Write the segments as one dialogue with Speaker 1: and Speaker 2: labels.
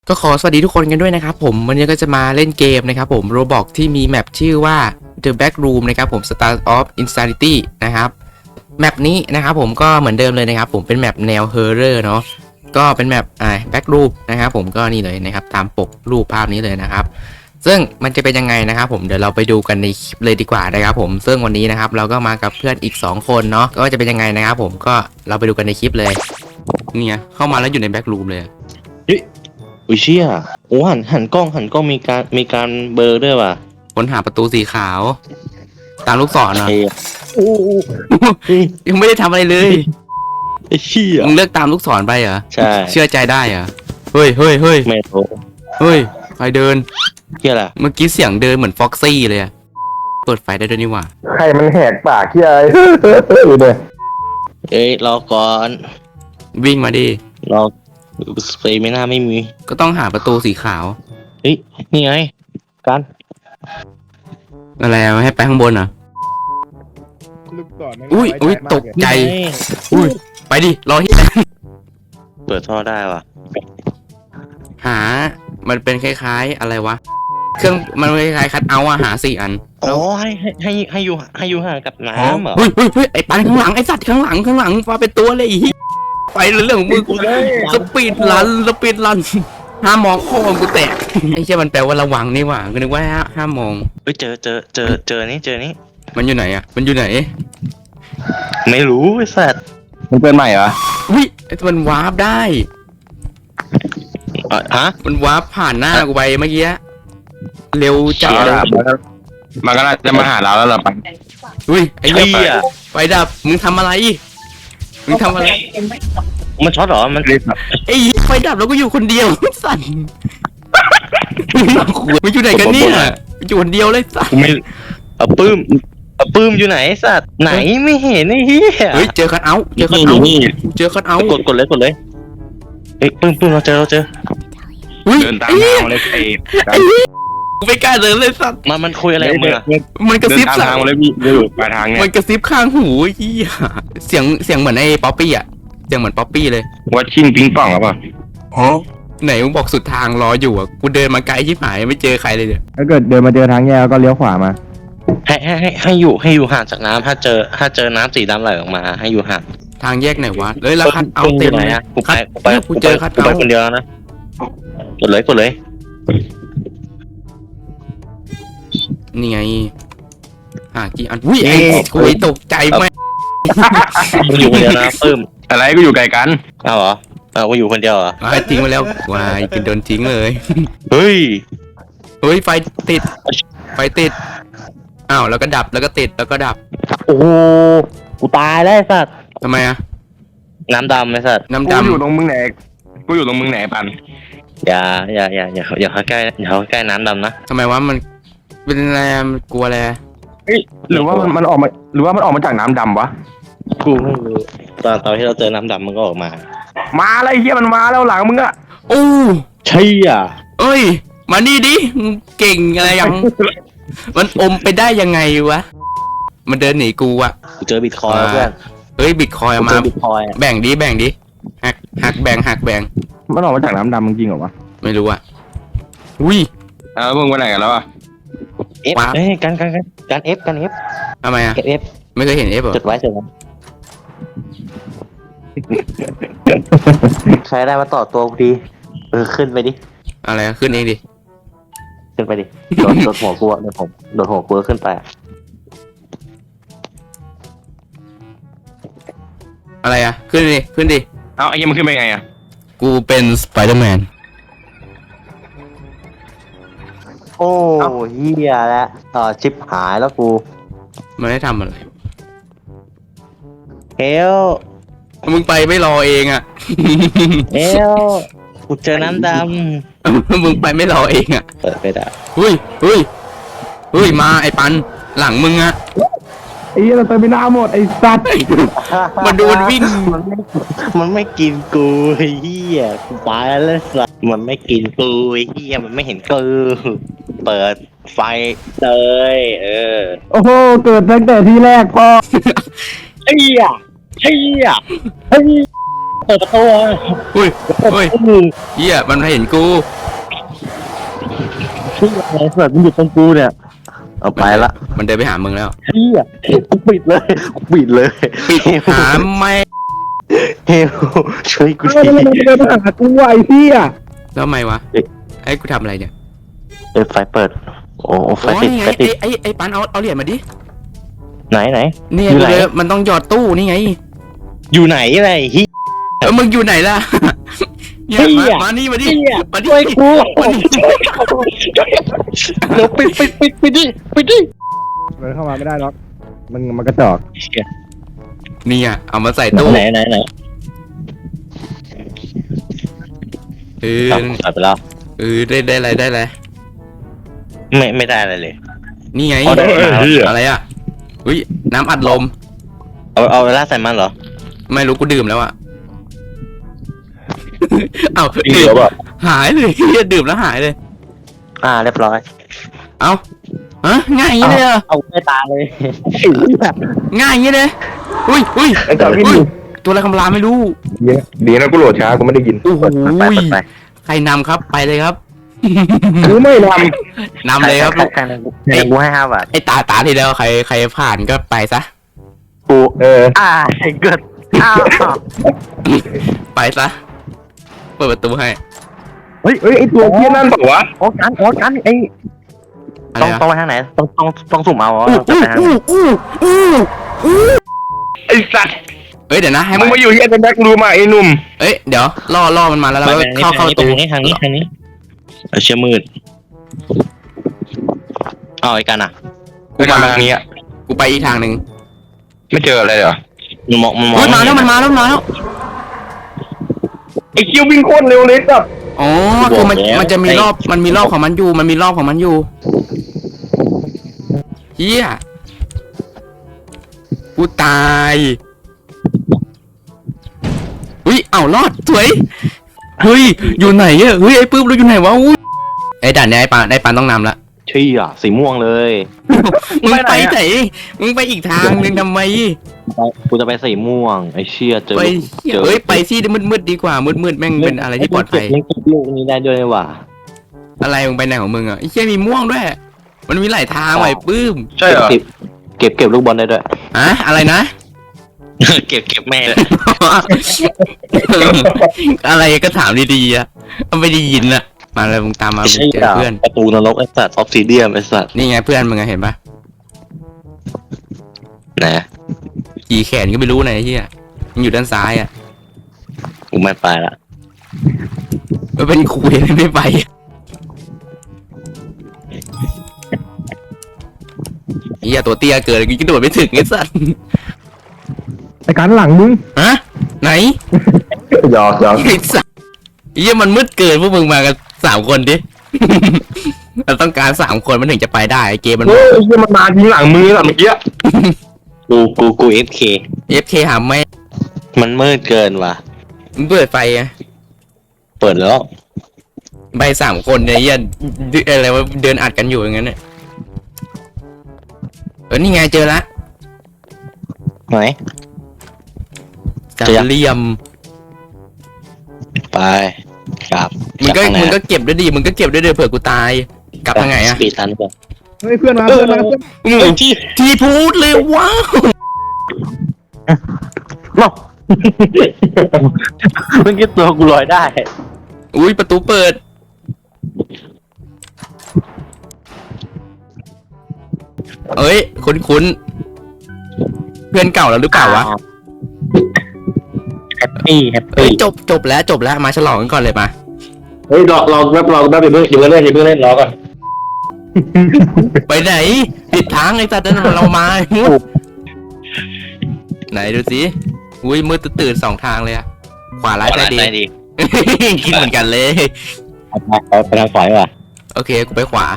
Speaker 1: ก็ขอสวัสดีทุกคนกันด้วยนะครับผมวันนี้ก็จะมาเล่นเกมนะครับผม Roblox ที่มีแมปชื่อว่า The Back Room นะครับผม Start of Insanity นะครับแมปนี้นะครับผมก็เหมือนเดิมเลยนะครับผมเป็นแมปแนว Horror เนาะก็เป็นแมปBack Room นะครับผมก็นี่เลยนะครับตามปกรูปภาพนี้เลยนะครับซึ่งมันจะเป็นยังไงนะครับผมเดี๋ยวเราไปดูกันในคลิปเลยดีกว่านะครับผมซึ่งวันนี้นะครับเราก็มากับเพื่อนอีก2คนเนาะก็จะเป็นยังไงนะครับผมก็เราไปดูกันในคลิปเลยเนี่ยเข้ามาแล้วอยู่ใน Back Room เลย
Speaker 2: อุ้ยเชี่ยโอ้หันกล้องมีการเบลอด้วยว่ะ
Speaker 1: ค้นหาประตูสีขาวตามลูกศรเหรอ
Speaker 2: เฮ้ยโอ้โห
Speaker 1: ยังไม่ได้ทำอะไรเลย
Speaker 2: ไอ้เชี่ย
Speaker 1: มึงเลือกตามลูกศรไปเหรอ
Speaker 2: ใช่
Speaker 1: เชื่อใจได้เหรอเฮ้ยเฮ้ยเฮ้ย
Speaker 2: ไม่รู้
Speaker 1: เฮ้ยใครเดิน
Speaker 2: เชี่ยล่ะ
Speaker 1: เมื่อกี้เสียงเดินเหมือนฟ็อกซี่เลยอะเปิดไฟได้ด้วยนี่หว่า
Speaker 3: ใครมันแหกปากที่อะไรอยู่เนี่ย
Speaker 2: เอ้ยรอก่อน
Speaker 1: วิ่งมาดิ
Speaker 2: รอสเปรย์ไม่น่าไม่มี
Speaker 1: ก็ต้องหาประตูสีขาว
Speaker 2: เฮ้ยนี่ไงกัน
Speaker 1: อะไรอะให้ไปข้างบนเหรอ
Speaker 3: ลูกศร
Speaker 1: อุ้ยอุ้ยตกใจ
Speaker 2: นี่ไง
Speaker 1: อุ้ยไปดิรอที่
Speaker 2: เปิดท่อได้ว่ะ
Speaker 1: หามันเป็นคล้ายๆอะไรวะเครื่องมันคล้ายๆคัทเอาท์อะหา4 อัน
Speaker 2: อ๋อให้อยู่ห่างกับน้ำเหรอ
Speaker 1: เฮ้ยเฮ้ยเฮ้ยไอ้ปันข้างหลังไอ้สัตว์ข้างหลังมาเป็นตัวเลยไอ้เหี้ยไปเรื่องของมึงสปีดรันห้ามมองพ่อมึงกูแตกไอ้เชี่ยมันแปลว่าระวังนี่หว่าก็นึกว่าห้ามมอง
Speaker 2: เฮ้ยเจอนี่
Speaker 1: มันอยู่ไหนอะมันอยู่ไหน
Speaker 2: ไม่รู้ไอ้สัตว์
Speaker 3: มันเป็นใหม่เหรอ
Speaker 1: อุ้ยมันวาร์ปได้
Speaker 2: ฮะ
Speaker 1: มันวาร์ปผ่านหน้ากูไปเมื่อกี้เร็วจัด
Speaker 3: มันก็น่าจะมาหาเราแล้วเหรอปัง
Speaker 1: อุ้ยไอ้เหี้
Speaker 2: เชี่
Speaker 1: ย
Speaker 2: ย
Speaker 1: ไฟดับมึงทำอะไร
Speaker 2: มันช็อตเหรอมัน
Speaker 1: ไอ้เหี้ยไฟดับแล้วก็อยู่คนเดียวสั่นมันอยู่ไหนกันเนี่ยมันอยู่คนเดียวเลยสั่น
Speaker 2: กูไม่ปื้มอยู่ไหนไอ้สัตว์ไหนไม่เห็นไอ้เหี้ย
Speaker 1: เฮ้ยเจอคัทเอาท์เจอคัทเอาท์
Speaker 2: กดเลยเฮ้ยปื้มเราเจอ
Speaker 1: อุ้ย
Speaker 3: เดินตาม
Speaker 1: ไอ้เหี้ย
Speaker 3: ทางเลยไอ้
Speaker 1: กูไม่กล้าเดินเลยสัตว์
Speaker 2: มันคุยอะไรกับมึงอะ
Speaker 1: มันกระ
Speaker 3: เดิ
Speaker 1: ซิ
Speaker 3: น
Speaker 1: บ
Speaker 3: ตาม
Speaker 1: สั่
Speaker 3: ทางมาเลยพี่ดูปลายทางเนี่ย
Speaker 1: มันกระซิบข้างหูไอ้เหี้ยเสียงเหมือนไอ้ป๊อปปี้อะเสียงเหมือนป๊อปปี้เลย
Speaker 3: วัดชิงปิงป่องหรือเปล่า
Speaker 1: ไหนมึงบอกสุดทางรออยู่อ่ะกูเดินมาไกลชิบหายไม่เจอใครเลยเนี่ย
Speaker 3: ถ้าเกิดเดินมาเจอทางแยกก็เลี้ยวขวามา
Speaker 2: ให้อยู่ห่างจากน้ำถ้าเจอน้ำสีดำไหลออกมาให้อยู่ห่าง
Speaker 1: ทางแยกไหนวะเลยแล้วคัทเอาท์เต็มเลย
Speaker 2: กูไป
Speaker 1: กูเจอคัท
Speaker 2: กูไป
Speaker 1: เอาท์
Speaker 2: คนเดียวแล้วนะกดเลย
Speaker 1: นี่ไงหากี่อันอุ้ยไอ้กูตกใจไหม
Speaker 2: มึงอยู่คนเดียวนะปื้ม
Speaker 3: อะไรก็อยู่ไกลกัน
Speaker 2: เอาเหรอเอากูอยู่คนเดียวเหรอ
Speaker 1: ทิ้งไปแล้ววายกินโดนทิ้งเลย
Speaker 2: เฮ้ย
Speaker 1: เฮ้ยไฟติดอ้าวแล้วก็ดับแล้วก็ติดแล้วก็ดับ
Speaker 2: โอ้โหกูตายแล้วไอ้สัตว์
Speaker 1: ทำไมอะ
Speaker 2: น้ำดำไอ้สัตว์
Speaker 1: น้ำ
Speaker 3: กู
Speaker 1: ดำ
Speaker 3: อยู่ตรงมึงไหนกูอยู่ตรงมึงไหนปัน
Speaker 2: อย่าเข้าใกล้น้ำดำนะ
Speaker 1: ทำไมวะมันเป็นอะไรอะมันกลัวอะไร
Speaker 3: หรือว่ามันออกมาหรือว่ามันออกมาจากน้ำดำวะ
Speaker 2: กูไม่รู้ตอนที่เราเจอน้ำดำมันก็ออกมา
Speaker 3: มาอะไรเฮียมันมาแล้วหลังมึงอะ
Speaker 1: โอ้
Speaker 2: ใช่อ่ะ
Speaker 1: เอ้ยมานี่ดิมึงเก่งอะไรยัง มันอมไปได้ยังไงวะมันเดินหนีกูอะ
Speaker 2: กูเจอบิตคอยน์เพื่อน
Speaker 1: เฮ้ยบิตคอย
Speaker 2: กู
Speaker 1: มา
Speaker 2: เจอบิตคอยน์
Speaker 1: แบ่งดิหักแบ่ง
Speaker 3: มันออกมาจากน้ำดำจริงเหรอวะ
Speaker 1: ไม่รู้อะอุ้ย
Speaker 3: แล้วมึงไปไหนกันแล้วอะ
Speaker 2: เอฟเอ้ยการเอฟ
Speaker 1: ทำไมอะ
Speaker 2: เก็บเอฟ
Speaker 1: ไม่เคยเห็นเอฟเหรอ
Speaker 2: จดไว้ใครได้มาต่อตัวกูดีขึ้นไปดิ
Speaker 1: อะไรอะขึ้นเองดิ
Speaker 2: ขึ้นไปดิโดดหัวกูอะโดดหัวกูขึ้นไปอะ
Speaker 1: อะไรอะขึ้นดิ
Speaker 3: เอาไอ้เหี้ยมันขึ้นไปไงอะ
Speaker 1: กูเป็นสไปเดอร์แมน
Speaker 2: โอ้เฮียแล้วชิปหายแล้วกู
Speaker 1: มันได้ทำอะไร
Speaker 2: เฮล
Speaker 1: มึงไปไม่รอเองอะ
Speaker 2: เฮลกูเจอน้ำด
Speaker 1: มึงไปไม่รอเองอะ
Speaker 2: ำเปิดไปได้
Speaker 1: เฮ้ยมาไอ้ปันหลังมึงอะ
Speaker 3: ไอ้เหี้ยเราเติมไปหน้าหมดไอ้สัตว์
Speaker 1: มันดูมันวิ่ง
Speaker 2: มันไม่กินกูเฮียกูไปแล้วสัสมันไม่กินกูเฮียมันไม่เห็นกูเปิดไฟเลย
Speaker 3: โอ้โหเกิดตั้งแต่ที่แรกพอ
Speaker 2: เฮียเปิดประตู
Speaker 1: อุ้ยเฮียมันไม่เห็นกู
Speaker 2: ที่อะไรสัตว์มันอยู่ตรงกูเนี่ยเอาไปละ
Speaker 1: มันเดินไปหามึงแล้ว
Speaker 2: เฮียกูปิดเลยปิดเลย
Speaker 1: หาไม่
Speaker 2: เฮลช่วยกู
Speaker 3: เฮ้ย
Speaker 2: ที
Speaker 3: มันเดินมาหากูไอ้พี่อ่ะ
Speaker 1: แล้วทำไมวะไอ้กูทำอะไรเนี่ย
Speaker 2: ไฟเปิดโอ้ไฟ
Speaker 1: โอ้
Speaker 2: ติ
Speaker 1: ย
Speaker 2: ด
Speaker 1: ไง
Speaker 2: ไฟติด
Speaker 1: ไอ้ปันเอาเหรียญมาดิ
Speaker 2: ไหน
Speaker 1: นี่
Speaker 2: อยู่ไหน
Speaker 1: ไงมันต้องหยอดตู้นี่ไง
Speaker 2: อยู่ไหนอะไรฮิ
Speaker 1: มึงอยู่ไหนล่ะเนี่ย
Speaker 2: เหี้ย
Speaker 1: มานี่มาดิมาดิ
Speaker 2: ช่วยกู
Speaker 1: มาดิ
Speaker 2: เดี๋ยวปิดดิ
Speaker 3: มันเข้ามาไม่ได้หรอกมันกระจอก
Speaker 1: เนี่ยเอามาใส่ตู้
Speaker 2: ไหน
Speaker 1: เออ
Speaker 2: ตัดไปแล้ว
Speaker 1: ได้อะไร
Speaker 2: ไม่ได้อะไรเลย
Speaker 1: นี่ไง
Speaker 2: เอาได้มา
Speaker 1: อะไรอ่ะอุ้ยน้ำอัดลม
Speaker 2: เอาเวลาใส่มันเหรอ
Speaker 1: ไม่รู้กูดื่มแล้วอ่ะ เอา
Speaker 2: จริง
Speaker 1: ดื่
Speaker 2: เหร
Speaker 1: ม
Speaker 2: อแบบ
Speaker 1: หายเลยเฮียดื่มแล้วหายเลย
Speaker 2: เรียบร้อย
Speaker 1: เอาฮะง่ายอย่างนี้เลยเหรอ
Speaker 2: เอาไม่ตาเลย
Speaker 1: ง่ายอย่างนี้เลยอุ้ย
Speaker 3: ไอ้จอกพี่
Speaker 1: อุ้ย
Speaker 3: ดู
Speaker 1: ตัวอะไรคำรามไม่รู้
Speaker 3: ดีนะกูโหลดช้ากูไม่ได้ยิน
Speaker 1: โอ้โห
Speaker 2: ไป
Speaker 1: ใครนำครับไปเลยครับ
Speaker 3: กูไม่ท
Speaker 1: นำเลยครับลูก
Speaker 2: ใครกูให้5 บาท
Speaker 1: ไอ้ตาที่แล้วใครผ่านก็ไปซะ
Speaker 2: กู
Speaker 3: ำ
Speaker 2: เกิด
Speaker 1: ไปซะเปิดประตูให้
Speaker 3: เฮ้ยไอ้ตัวเพี้ยนั่นบอกว่า
Speaker 2: โอ้กันไอ้
Speaker 1: อะไร
Speaker 2: ต้อง
Speaker 1: อะ
Speaker 2: ไปทางไหนต้องสุ่มเอา
Speaker 1: อู้
Speaker 2: ไปทางไหน
Speaker 3: ไอ้สัตว์
Speaker 1: เอ้ยเดี๋ยวนะให้
Speaker 3: มึ
Speaker 1: มั
Speaker 3: ง
Speaker 1: น
Speaker 3: มาอยู่ที่ไอ้แบ็ครูมาไอ้หนุ่ม
Speaker 1: เอ้ยเดี๋ยวล่อมันมาแล้วเราก็เข้าประตู
Speaker 2: ทางนี้เชื่อมืดไอ้กันอ่ะ
Speaker 3: กูมาทางนี้อ่ะ
Speaker 1: กูไปอีกทางหนึ่ง
Speaker 3: ไม่เจออะไรเหรอ
Speaker 2: มันมอง
Speaker 1: อุ้ยมาแล้วมันมาแล้ว
Speaker 3: ไอ้คิววิ่งโคตรเร็วเลยสัตว์
Speaker 1: อ๋อคือมันจะมีรอบมันมีรอบของมันอยู่เฮียกูตายอุ้ยเอ้ารอดสวยเฮ้ยอยู่ไหนอะเฮ้ยไอ้ปื้มเราอยู่ไหนวะอุ้ยไอ้ด่านเนี้ยไอ้ปานต้องนำละ
Speaker 2: ชี้อ่ะสีม่วงเลย
Speaker 1: มึงไปไหนมึงไปอีกทางหนึงทำไม
Speaker 2: กูจะไปสีม่วงไอ้เชี่ยเจอ
Speaker 1: ไปเฮ้ยไปที่มืดๆดีกว่ามืดๆแม่งเป็นอะไรที่ปลอดภัย
Speaker 2: ยังเก็บลูกนี้ได้ด้วยว่ะ
Speaker 1: อะไรมึงไปไหนของมึงอ่ะไอ้เชี่ยมีม่วงด้วย มันมีหลายทางไว้ปื้ม
Speaker 3: ใช่เหรอ
Speaker 2: เก็บลูกบอลได้ด้วย
Speaker 1: อะอะไรนะ
Speaker 2: เก็บแม่
Speaker 1: อะไรก็ถามดีๆอ่ะไม่ได้ยินอ่ะมาเลยมึงตามมามึงเจอเพื่อน
Speaker 2: ประตูนรกไอ้สัตว์ออฟซิเดียมไอ้สัตว์
Speaker 1: นี่ไงเพื่อนมึงอะเห็นปะ
Speaker 2: ไหน
Speaker 1: ขี่แขนก็ไม่รู้ไหนไอ้เฮียมันอยู่ด้านซ้ายอ่ะ
Speaker 2: กูไม่ไปละ
Speaker 1: มันเป็นคุยไม่ไปเฮียตัวเตี้ยเกินกระโดดไม่ถึงไอ้สัส
Speaker 3: ไอ้การหลังมึง
Speaker 1: ฮะไหน
Speaker 3: หยอก
Speaker 1: ไอ้สัสเฮียมันมืดเกินพวกมึงมากัน3 คนดิ เราต้องการ3 คนมันถึงจะไปได้ไอ้เกมมัน
Speaker 3: เฮ้ยไอ้เหี้ยมันมายิงหลังมือแบบเมื่อกี้
Speaker 2: กู FK
Speaker 1: FK หาไม่
Speaker 2: มันมืดเกินว่ะ
Speaker 1: มึงเปิดไฟอะ
Speaker 2: เปิดแล้ว
Speaker 1: ใบ3 คนเนี่ยเฮียอะไรวะเดินอัดกันอยู่อย่างนั้นเนี่ยนี่ไงเจอละ
Speaker 2: ไหน
Speaker 1: จับ
Speaker 2: เจอยัง
Speaker 1: เหลี่ยม
Speaker 2: ไปกลับ
Speaker 1: มึงก็เก็บด้วยดิมึงก็เก็บด้วยเดี๋ยวเผื่อกูตายกลับทางไหนอะ
Speaker 2: สปีดทันก่อน
Speaker 3: เฮ้ยเพื่อนมา
Speaker 1: ทีพูดเลยว้าว
Speaker 2: เนาะเมื่อกี้ตัวกูลอยได้
Speaker 1: อุ้ยประตูเปิดเอ้ยคุ้นเพื่อนเก่าแล้วหรือเปล่าวะ
Speaker 2: แฮปปี้
Speaker 1: เอ้ยจบแล้วมาฉลองกันก่อนเลยมา
Speaker 3: เฮ้ยรอแป๊บอย่าเพิ่งเล่นรอก่อน
Speaker 1: ไปไหนปิดทางไอ้สัตว์นั่นเรามาไหนดูสิอุ้ยมืดตื่น2 ทางเลยอะขวาร้ายซ้ายดี
Speaker 2: ดี
Speaker 1: คิดเหมือนกันเลย
Speaker 2: ไปทางขวาดีกว่า
Speaker 1: โอเคกูไปขวา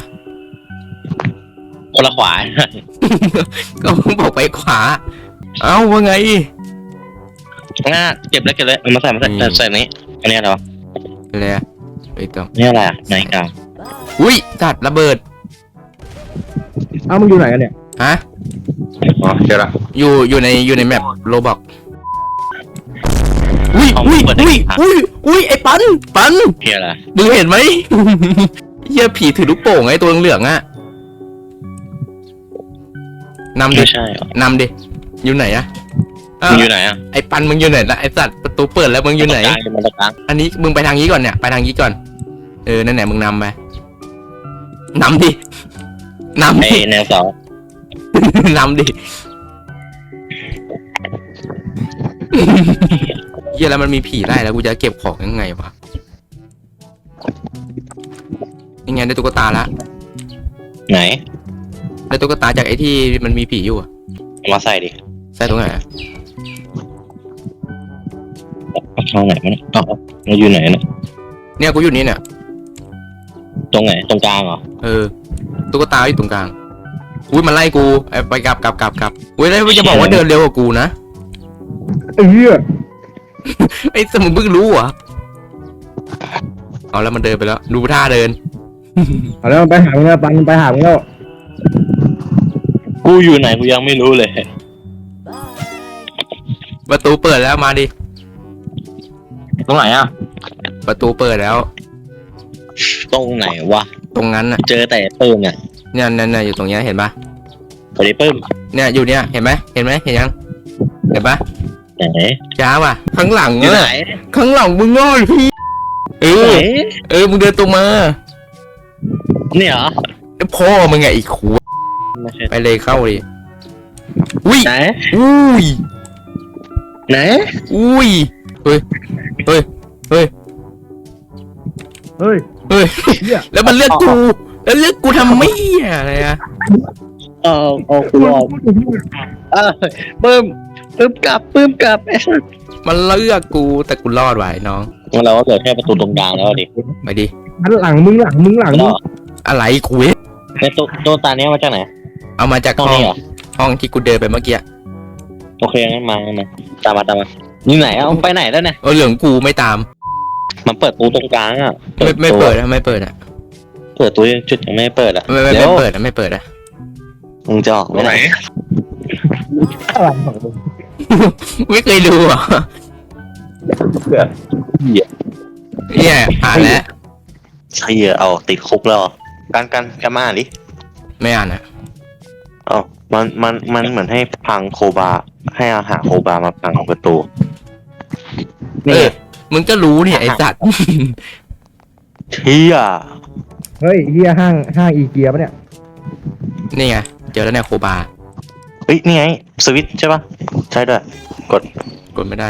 Speaker 2: คนละขวา
Speaker 1: ก็บอกไปขวาเอ้าว่าไง
Speaker 2: ง่าเก็บเลยเอามาใส่ใส่นี้อันนี้อะไรวะ
Speaker 1: อะไรอะไปต่อ
Speaker 2: นี่อะไรอ่ะไหนกัน
Speaker 1: อุ้ยสัตว์ระเบิด
Speaker 3: อ้าวมึงอยู่ไหนกันเนี่ย
Speaker 1: ฮะ
Speaker 3: อ๋อเจอละ
Speaker 1: อยู่ในแมปโรบอกอุ้ย
Speaker 2: ห้อง
Speaker 1: อุ้ย
Speaker 2: เปิดได้
Speaker 1: อุ้ย
Speaker 2: กี่ครั้ง
Speaker 1: อุ้ยไอ้ปัน
Speaker 2: เฮียอะไร
Speaker 1: มึงเห็นไหม เฮียผีถือลูกโป่งไอ้ตัวเหลืองๆอ่ะนำดิ
Speaker 2: ไม่ใช่เหรอน
Speaker 1: ำดิอยู่ไหนอะอ้าว
Speaker 2: มึงอยู่ไหนอ่ะ
Speaker 1: ไอ้ปันมึงอยู่ไหนล่ะไอ้สัตว์ประตูเปิดแล้วมึงอยู่ไหน
Speaker 2: มันตะกลาง
Speaker 1: อันนี้มึงไปทางนี้ก่อนเนี่ยไปทางนี้ก่อนนั่นแหละมึงนำไปนำดินำ
Speaker 2: ไอ้
Speaker 1: ดิ
Speaker 2: แนวเสาน
Speaker 1: ำดิเฮียแล้วมันมีผีได้แล้วกูจะเก็บของยังไงวะยังไงได้ตุ๊กตาละ
Speaker 2: ไหน
Speaker 1: ได้ตุ๊กตาจากไอ้ที่มันมีผีอยู่อะ
Speaker 2: เอามาใส่ดิ
Speaker 1: ใส่ตรงไหนอะ
Speaker 2: เอาช่องไหนมันยอ๋อเราอยู่ไหนเนี่ย
Speaker 1: เนี่ยกูอยู่นี่เนี่ย
Speaker 2: ตรงไหนตรงกลางเหรอ
Speaker 1: ตุ๊กตาอยู่ตรงกลางอุ้ยมันไล่กูไปกลับอุ้ยแล้วจะบอกว่าเดินเร็วกว่ากูนะ
Speaker 3: เหี้ย
Speaker 1: ไอ้สมุนเพิ่งรู้เหรอเอาแล้วมันเดินไปแล้วดูท่าเดิน
Speaker 3: เอาแล้วไปหามึงแล้วปันไปหามึงแล้ว
Speaker 2: กูอยู่ไหนกูยังไม่รู้เลย
Speaker 1: ประตูเปิดแล้วมาดิ
Speaker 3: ตรงไหนอ่ะ
Speaker 1: ประตูเปิดแล้ว
Speaker 2: ตรงไหนวะ
Speaker 1: ตรงนั้นน่ะ
Speaker 2: เจอแต่ปื้มเนี่ย
Speaker 1: เนี่ยอยู่ตรงเนี้ยเห็นปะ
Speaker 2: ไปดิปื้ม
Speaker 1: เนี่ยอยู่เนี่ยเห็นไหมเห็นยังเห็นปะ
Speaker 2: ไหน
Speaker 1: ช้าว่ะข้างหลัง
Speaker 2: อยู่ไหน
Speaker 1: ข้างหลังมึงง่อยพี่เอ
Speaker 2: ไหน
Speaker 1: มึงเดินตรงมา
Speaker 2: เนี่ยเหรอ
Speaker 1: พ่อมึงไงอีกขว
Speaker 2: ไม่ใช่
Speaker 1: ไปเลยเข้าดิอุ้ย
Speaker 2: ไหน
Speaker 1: อุ้ย
Speaker 2: ไหน
Speaker 1: อุ้ยเฮ้ย
Speaker 3: เฮ้ย
Speaker 1: เฮ้ย
Speaker 3: เหี้ย
Speaker 1: แล้วมันเลือกกู แล้วเลือกกูทำไม่อะไรอะ
Speaker 2: เอากูรอดปื้มกลับไอ้สัส
Speaker 1: มันเลือกกู แต่กูรอดไว้น้อง
Speaker 2: งั้นเราก็เหลือแค่ประตูตรงกลางแล้วดิ
Speaker 1: ไปดิ
Speaker 3: หันหลังมึง
Speaker 2: แล้ว
Speaker 1: อะไรคุย
Speaker 2: ในตัวตาเนี้ยมาจากไหน
Speaker 1: เอามาจาก
Speaker 2: ห้อง
Speaker 1: ห้อง
Speaker 2: นี้เหรอ
Speaker 1: ห้องที่กูเดินไปเมื่อกี้
Speaker 2: โอเคงั้นมาตามมาอยู่ไหนเอาไปไหนแล้วเนี่ย
Speaker 1: เหลืองกูไม่ตาม
Speaker 2: มันเปิดตู้ตรงกลางอ่ะ
Speaker 1: ไม่เปิดอะไม่เปิดอะ
Speaker 2: เปิดตู้จุดยังไม่เปิดอ่ะ
Speaker 1: ไม่
Speaker 2: เดี๋ยว
Speaker 1: เปิดอะไม่เปิดอะ
Speaker 2: มึงจะออกไปไหน
Speaker 3: อะไรของมึง
Speaker 1: ไม่เคยดูอ่ะ
Speaker 2: เหี้ย
Speaker 1: เนี่ยอ่านแล้ว
Speaker 2: ใช่เอาติดคุกแล้วเหรอกันมาอ่านดิ
Speaker 1: ไม่อ่านอะ
Speaker 2: อ๋อมันเหมือนให้พังโคบาให้อาหารโคบามาพังประตูนี่
Speaker 1: มึงก็รู้เนี่ยไอ้สัตว์
Speaker 2: เชี่ย
Speaker 3: เฮ้ยเหี้ยห้างอีเกียปะเนี่ย
Speaker 1: นี่ไงเจอแล้วเนี่ยโคบา
Speaker 2: เฮ้ยนี่ไงสวิตช์ใช่ปะใช่ด้วยกด
Speaker 1: ไม่ได้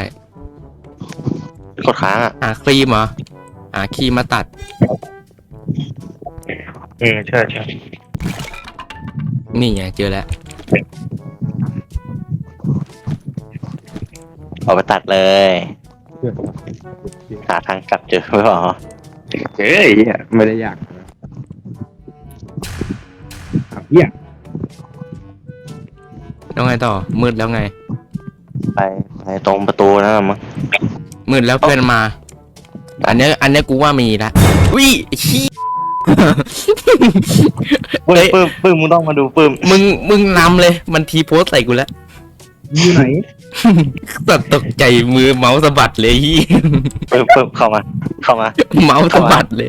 Speaker 2: ค้างอ่ะ
Speaker 1: หาครีมเหรอหาครีมมาตัด
Speaker 2: ใช่
Speaker 1: นี่ไงเจอแล้ว
Speaker 2: เอาไปตัดเลยหาทางกลับเจอไม่หรอ
Speaker 3: เฮ้ยไม่ได้ยากเหี้ย
Speaker 1: แล้วไงต่อมืดแล้วไง
Speaker 2: ไปตรงประตูนั่นมั้ง
Speaker 1: มืดแล้วเพื่อนมา อันเนี้ยกูว่ามีละอุ้ยไอ้ขี้
Speaker 2: ปื้มมึงต้องมาดูปื้ม
Speaker 1: มึงนำเลย มันทีโพสใส่กูแล้ว
Speaker 3: อยู่ไหน
Speaker 1: สัตว์ตกใจมือเมาส์สะบัดเลยฮี
Speaker 2: ปื้มเข้ามา
Speaker 1: เมาส์สะบัดเลย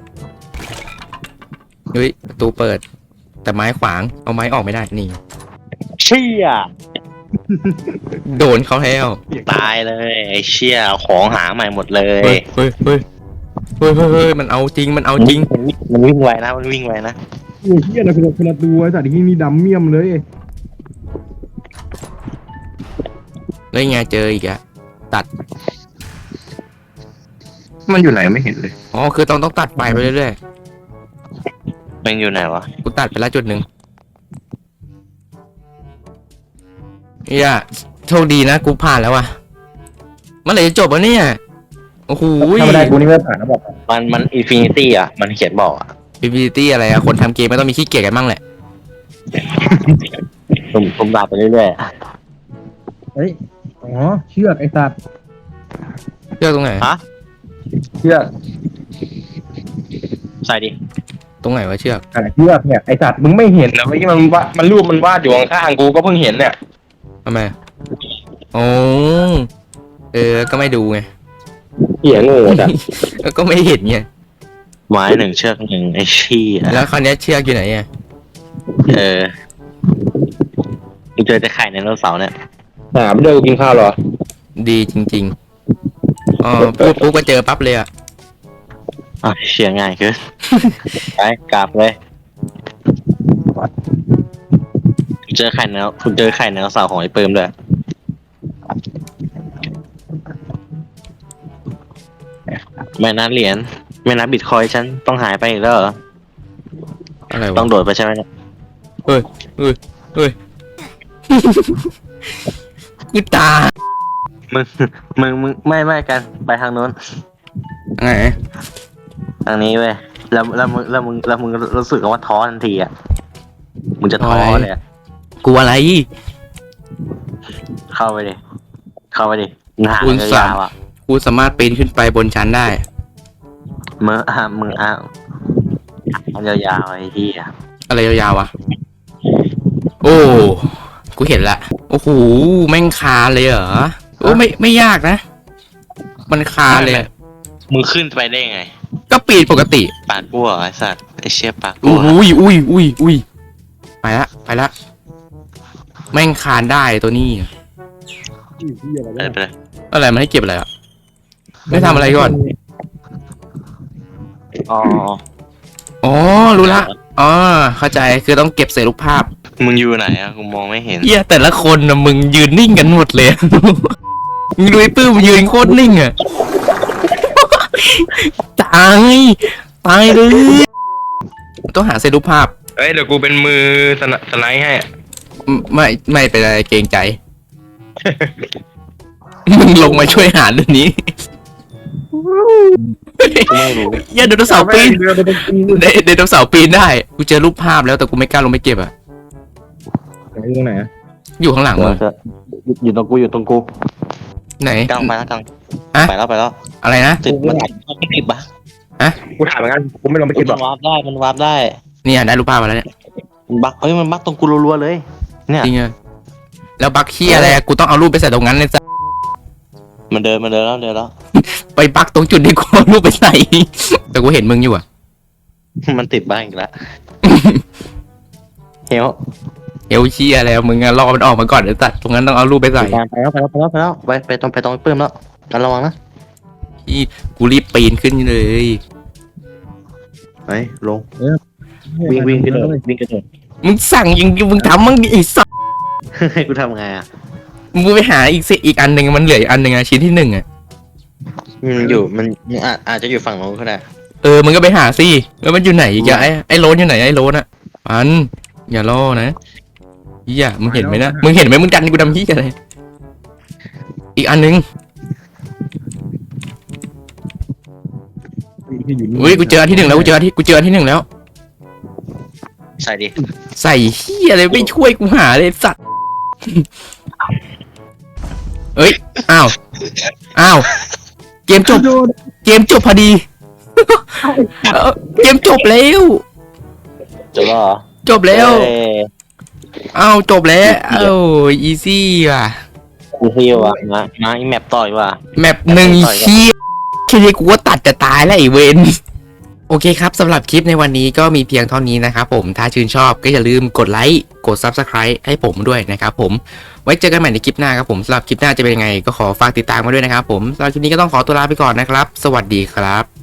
Speaker 1: เฮ้ยประตูเปิด แต่ไม้ขวางเอาไม้ออกไม่ได้นี่
Speaker 2: เชี่ย
Speaker 1: โดนเขาแล้ว
Speaker 2: ตายเลยไอ้เชี่ยของหาใหม่หมดเลย
Speaker 1: เฮ้ยมันเอาจริงมันเอาจริง
Speaker 2: มันวิ่งไวนะมันวิ่งไวนะ
Speaker 3: โอ้ยเหี้ยนะคนละตัวไอ้สัตว์ที่นี่ดำเมี่ยมเลย
Speaker 1: แล้วยังไงเจออีกอะตัด
Speaker 3: มันอยู่ไหนไม่เห็นเลย
Speaker 1: อ๋อคือต้องตัดไฟไปเรื่อย
Speaker 2: มันอยู่ไหนวะ
Speaker 1: ๆกูตัดไปแล้วจุดหนึ่งเนี่ยโชคดีนะกูผ่านแล้วว่ะเมื่อไหร่จะจบวะเนี่ยโอ้โห
Speaker 3: ถ้าไม่ได้กูนี่ไม่ผ่านนะบอก
Speaker 2: มันอินฟินิตี้อ่ะมันเขียนบอกอ่ะ
Speaker 1: PVT อะไรอะคนทำเกมไม่ต้องมีขี้เกียจกันบ้างแหละ
Speaker 2: ผมดาบไปเรื่อย
Speaker 3: เฮ้ยอ๋อเชือกไอ้สัตว์
Speaker 1: เลือกตรงไหน
Speaker 2: ๆฮะ
Speaker 3: เชือก
Speaker 2: ใส่ดิ
Speaker 1: ตรงไหนวะเชือก
Speaker 3: เชือกเนี่ยไอ้สัตว์มึงไม่เห็นนะเมื่อกี้มันรูปมันวาดอยู่ข้างๆกูก็เพิ่งเห็นเนี่ย
Speaker 1: ทำไมโอ้ก็ไม่ดูไง
Speaker 3: เหี้ยโง่จัด
Speaker 1: ก็ไม่เห็นไง
Speaker 2: ไม้หนึ่งเชือกหนึ่งไอ้ชี้อ่ะ
Speaker 1: แล้วคราวเนี้ยเชือกอยู่ไหนอ่ะ
Speaker 2: มึงเจอแต่ไข่ในไดโนเสาร์เนี่ย
Speaker 3: หาไม่เจอกูกินข้าวเหรอ
Speaker 1: ดีจริงๆอ๋อพูดปุ๊บก็เจอปั๊บเลยอ่ะ
Speaker 2: อ่ะเชียร์ง่ายเกิน ไปกลับเลยคุณเจอไข่ในคุณเจอไข่ในไดโนเสาร์ของไอ้เปิมด้วยไม่นับเหรียญไม่นับบิตคอยน์ฉันต้องหายไปอีกแล้วเหรอ
Speaker 1: อะไร
Speaker 2: ต้
Speaker 1: วะ
Speaker 2: องโดดไปใช่ไหมเนี่ย
Speaker 1: เฮ้ยกูตาย
Speaker 2: มึงไม่กันไปทางโน้น
Speaker 1: ไง
Speaker 2: ทางนี้เว้ยแล้วมึงรู้สึกว่าท้อทันทีอ่ะมึงจะท้อเลยอะ
Speaker 1: กูอะไร
Speaker 2: เข้าไปดิมึงหา
Speaker 1: คุณสาม
Speaker 2: ยาวๆอ่ะ
Speaker 1: กูสามารถปีนขึ้นไปบนชั้นได้
Speaker 2: มึงมันยาวๆไอ้ที่อ่ะ
Speaker 1: อะไรยาวๆวะโอ้กูเห็นละโอ้โหแม่งคาเลยเหรอโอ้ไม่ยากนะ มันคาเลยอะ
Speaker 2: มึงขึ้นไปได้ไง
Speaker 1: ก็ปีนปกติ
Speaker 2: ปากกูเหรอไอ้สัตว์ไอ้เชี่ยปากกู
Speaker 1: อุ้ยไปละแม่งคานได้ตัวนี้
Speaker 2: ไปเลย
Speaker 1: อะไรมันให้เก็บอะไรอ่ะไม่ทำอะไรก่อน
Speaker 2: อ๋อ
Speaker 1: อ๋อรู้ละอ๋อเข้าใจคือต้องเก็บเศษรูปภาพ
Speaker 2: มึงอยู่ไหนอ่ะกูมองไม่เห็น
Speaker 1: เหี้ยแต่ละคนนะมึงยืนนิ่งกันหมดเลย มึงดูไอ้ปื้มยืนโคตรนิ่งอ่ะ ตายเลยต้องหาเศษรูปภาพ
Speaker 3: เฮ้ยเดี๋ยวกูเป็นมือสไลด์ให้
Speaker 1: ไม่เป็นไรเกรงใจ มึงลงมาช่วยหาเรื่องนี้
Speaker 2: กูไม่รู้
Speaker 1: อย่าไดโนเสาร์ปีนไดโนเสาร์ปีนได้กูเจอรูปภาพแล้วแต่กูไม่กล้าลงไปเก็บอ่ะ
Speaker 3: อยู่ตรงไหนอะ
Speaker 1: อยู่ข้างหลังมึง
Speaker 2: อยู่ตรงกู
Speaker 1: ไหน
Speaker 2: กลางไปแล้วกลาง
Speaker 1: อะ
Speaker 2: ไปแล้ว
Speaker 1: อะไรนะ
Speaker 2: ติดปะ
Speaker 3: กูถามเหมือนกันกูไม่ลงไป
Speaker 2: มั
Speaker 3: เก็บหร
Speaker 2: น
Speaker 3: อก
Speaker 2: วาร์ปได้มันวาร์ปได้
Speaker 1: เนี่ยได้รูปภาพมาแล้วเนี่ย
Speaker 2: มันบักตรงกูรัวๆเลย เนี่ย
Speaker 1: จริงอ่ะแล้วบักขี้อะไรอะกูต้องเอารูปไปใส่ตรงนั้นเลยจ้ะ
Speaker 2: มันเดินแล้ว
Speaker 1: ไปบักตรงจุดที่กูเอารูปไปใส่ แต่กูเห็นมึงอยู่อ่ะ
Speaker 2: มันติดบ้างอีกแล้วเฮล
Speaker 1: เอวเชียแล้วมึงอะรอมันออกมาก่อนเดี๋ยวตัดตรงนั้นต้องเอารูปไปใส่
Speaker 2: ไปแล้วไปตรงเพิ่มแล้วกันระวังนะ
Speaker 1: ที่กูรีบปีนขึ้นเลย
Speaker 2: ไปลงวิ่งกระโดด
Speaker 1: มึงสั่งยังมึงทำมึงไอ้สัส
Speaker 2: ให้กูทำไงอ่ะ
Speaker 1: มึงไปหาอีกอันหนึ่งมันเหลืออีกอันหนึ่งอะชิ้นที่หนึ่งอะ
Speaker 2: มันอาจจะอยู่ฝั่งโน้นก็ได้
Speaker 1: มึงก็ไปหาสิแล้วมันอยู่ไหนอีกอะไอ้โรนอยู่ไหนไอ้โรนอะมันอย่าล่อนะเฮียมึงเห็นไหมนะมึงเห็นไหมมึงดันกูดำเฮียอะไรอีกอันหนึ่งอุ้ยกูเจออันที่หนึ่งแล้วกูเจออันที่หนึ่งแล้ว
Speaker 2: ใส่ดิ
Speaker 1: ใส่เฮียอะไรไม่ช่วยกูหาเลยสัตว์ เอ้ยอ้าวเกมจบพอดี เกมจบแล้ว
Speaker 2: จบแล้วเหรอ
Speaker 1: จบแล้วอ้าวจบแล้วอีซี่ว่ะ
Speaker 2: กูเที่ยวอ่ะมาอีแมปต่อยว่ะ
Speaker 1: แมปหนึ่งเฮียแค่นี้กูว่าตัดจะตายแล้วไอ้เวน โอเคครับสำหรับคลิปในวันนี้ก็มีเพียงเท่านี้นะครับผมถ้าชื่นชอบก็อย่าลืมกดไลค์กด Subscribe ให้ผมด้วยนะครับผมไว้เจอกันใหม่ในคลิปหน้าครับผมสำหรับคลิปหน้าจะเป็นยังไงก็ขอฝากติดตามมาด้วยนะครับผมสำหรับคลิปนี้ก็ต้องขอตัวลาไปก่อนนะครับสวัสดีครับ